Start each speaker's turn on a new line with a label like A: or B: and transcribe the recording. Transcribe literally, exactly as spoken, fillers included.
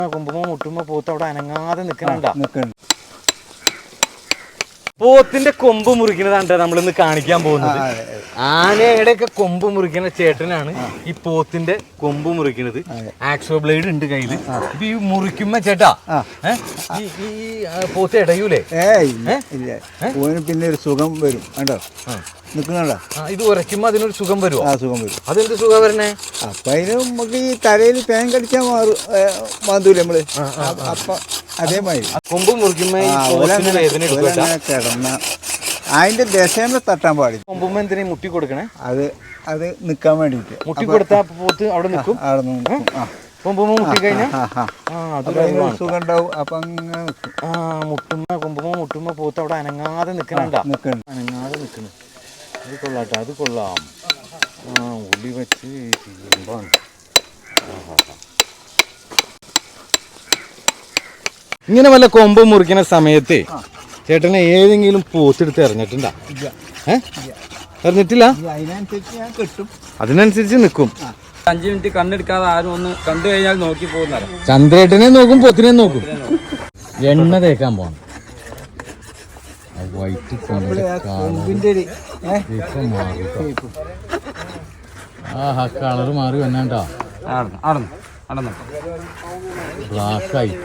A: കൊമ്പുമ്പോ മുട്ടുമ്പോ പോത്ത് അവിടെ അനങ്ങാതെ നിക്കണുണ്ടാ. പോത്തിന്റെ കൊമ്പ് മുറിക്കുന്നതാണ് നമ്മളിന്ന് കാണിക്കാൻ പോകുന്നത്. ആനയുടെ ഒക്കെ കൊമ്പ് മുറിക്കുന്ന ചേട്ടനാണ് ഈ പോത്തിന്റെ കൊമ്പ് മുറിക്കുന്നത്. ആക്സോ ബ്ലേഡ് ഉണ്ട് കയ്യില്. ഇപ്പൊ ഈ മുറിക്കുമ്പോ ചേട്ടാ ഈ പോത്ത് ഇടയൂലേ?
B: പിന്നെ ഒരു സുഖം വരും കണ്ടോ, നിൽക്കുന്നുണ്ടോ?
A: ഇത് ഉരയ്ക്കുമ്പോ അതിനൊരു സുഖം വരുമോ?
B: ആ സുഖം വരും.
A: അതെന്ത് സുഖം വരണേ?
B: അപ്പൊ അതിന് നമുക്ക് ഈ തലയിൽ തേൻ കടിച്ചാൽ മാറും, മാന്തൂല നമ്മള്. അപ്പൊ അതേമാതിരി
A: കൊമ്പ് മുറിക്കുമ്പോ
B: കിടന്ന അതിന്റെ ദശമ തട്ടാൻ പാടില്ല.
A: കൊമ്പുമ്പോ എന്തിനാ മുട്ടി കൊടുക്കണേ?
B: അത് അത് നിക്കാൻ വേണ്ടിട്ട്.
A: മുട്ടി കൊടുത്താ പോത്ത് അവിടെ നിൽക്കും.
B: അവിടെ നിൽക്കും.
A: കൊമ്പുമ്പോ മുട്ടി കഴിഞ്ഞാൽ
B: സുഖം ഉണ്ടാവും. അപ്പൊ അങ്ങനെ നിൽക്കും.
A: ആ മുട്ടുമ്പോ കൊമ്പുമ്പോ മുട്ടുമ്പോ പോത്ത് അവിടെ അനങ്ങാതെ നിക്കണണ്ടാ.
B: നിൽക്കണം,
A: അനങ്ങാതെ നിക്കണ. അത് കൊള്ളാട്ടോ, അത് കൊള്ളാം. ആ ഉള്ളി വെച്ച് ചെയ്യുമ്പാണ്. ഇങ്ങനെ വല്ല കൊമ്പ് മുറിക്കുന്ന സമയത്ത് ചേട്ടനെ ഏതെങ്കിലും പോത്തെടുത്ത് എറിഞ്ഞിട്ടുണ്ടാ? ഏഹ് എറിഞ്ഞിട്ടില്ല?
B: അതിനനുസരിച്ച് ഞാൻ കിട്ടും,
A: അതിനനുസരിച്ച് നിൽക്കും.
C: അഞ്ചു മിനിറ്റ് കണ്ണെടുക്കാതെ ആരും ഒന്ന് കണ്ടു കഴിഞ്ഞാൽ നോക്കി പോകുന്ന
A: ചന്ദ്രേട്ടനെ നോക്കും, പൊത്തിനെ നോക്കും. എണ്ണ തേക്കാൻ പോണം. വൈറ്റ് ആ കളറ് മാറി വന്നാണ്ടാ. ബ്ലാക്ക് ആയിട്ട്